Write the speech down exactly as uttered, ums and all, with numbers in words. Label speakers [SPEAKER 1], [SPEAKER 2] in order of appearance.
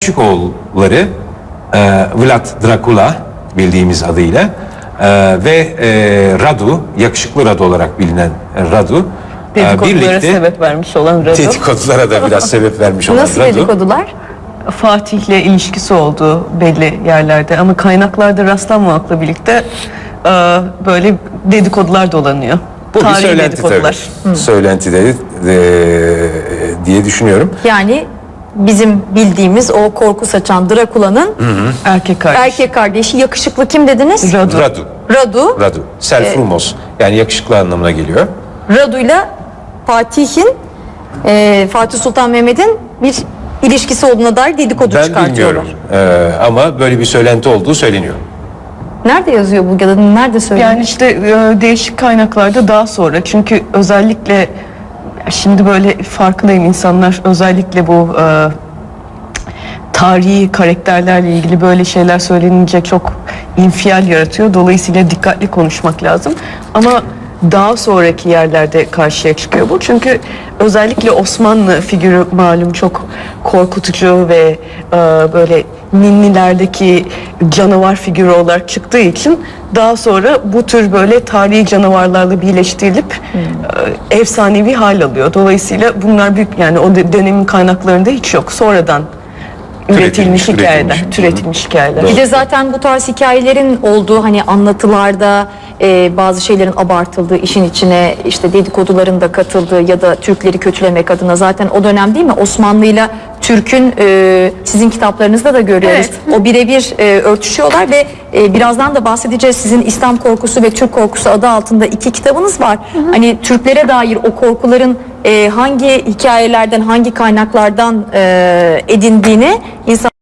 [SPEAKER 1] küçük oğulları e, Vlad Dracula bildiğimiz adıyla e, ve e, Radu, yakışıklı Radu olarak bilinen Radu e,
[SPEAKER 2] Dedikodulara
[SPEAKER 1] birlikte
[SPEAKER 2] sebep vermiş olan Radu.
[SPEAKER 1] dedikodulara da biraz sebep vermiş olan
[SPEAKER 3] Nasıl
[SPEAKER 1] Radu.
[SPEAKER 3] dedikodular?
[SPEAKER 2] Fatih'le ilişkisi olduğu belli yerlerde ama kaynaklarda rastlanmamakla birlikte e, böyle dedikodular dolanıyor.
[SPEAKER 1] Bu bir
[SPEAKER 2] Tarihi
[SPEAKER 1] söylenti
[SPEAKER 2] dedikodular.
[SPEAKER 1] tabii. Söylenti de, de- diye düşünüyorum.
[SPEAKER 3] Yani bizim bildiğimiz o korku saçan Drakula'nın
[SPEAKER 2] Erkek kardeş.
[SPEAKER 3] erkek kardeşi yakışıklı kim dediniz?
[SPEAKER 2] Radu.
[SPEAKER 1] Radu.
[SPEAKER 3] Radu.
[SPEAKER 1] Radu. Selfrumos. Yani yakışıklı anlamına geliyor.
[SPEAKER 3] Radu'yla Fatih'in e, Fatih Sultan Mehmet'in bir ilişkisi olduğuna dair dedikodu
[SPEAKER 1] Ben
[SPEAKER 3] çıkartıyorlar.
[SPEAKER 1] bilmiyorum. Ee, ama böyle bir söylenti olduğu söyleniyor.
[SPEAKER 3] Nerede yazıyor bu ya da nerede söylüyor?
[SPEAKER 2] Yani işte e, değişik kaynaklarda daha sonra, çünkü özellikle şimdi böyle farkındayım, insanlar özellikle bu e, tarihi karakterlerle ilgili böyle şeyler söylenince çok infial yaratıyor. Dolayısıyla dikkatli konuşmak lazım. Ama daha sonraki yerlerde karşıya çıkıyor bu. Çünkü özellikle Osmanlı figürü malum çok korkutucu ve e, böyle ninnilerdeki canavar figürü olarak çıktığı için daha sonra bu tür böyle tarihi canavarlarla birleştirilip e, efsanevi hal alıyor. Dolayısıyla bunlar büyük, yani o de- dönemin kaynaklarında hiç yok. Sonradan üretilmiş hikayeler,
[SPEAKER 1] üretilmiş.
[SPEAKER 2] türetilmiş hikayeler.
[SPEAKER 3] Bir de zaten bu tarz hikayelerin olduğu hani anlatılarda e, bazı şeylerin abartıldığı, işin içine işte dedikoduların da katıldığı ya da Türkleri kötülemek adına zaten o dönem değil mi? Osmanlı'yla Türk'ün e, sizin kitaplarınızda da görüyoruz. O birebir e, örtüşüyorlar ve e, birazdan da bahsedeceğiz. Sizin İslam Korkusu ve Türk Korkusu adı altında iki kitabınız var. Hani Türklere dair o korkuların e, hangi hikayelerden, hangi kaynaklardan e, edindiğini insan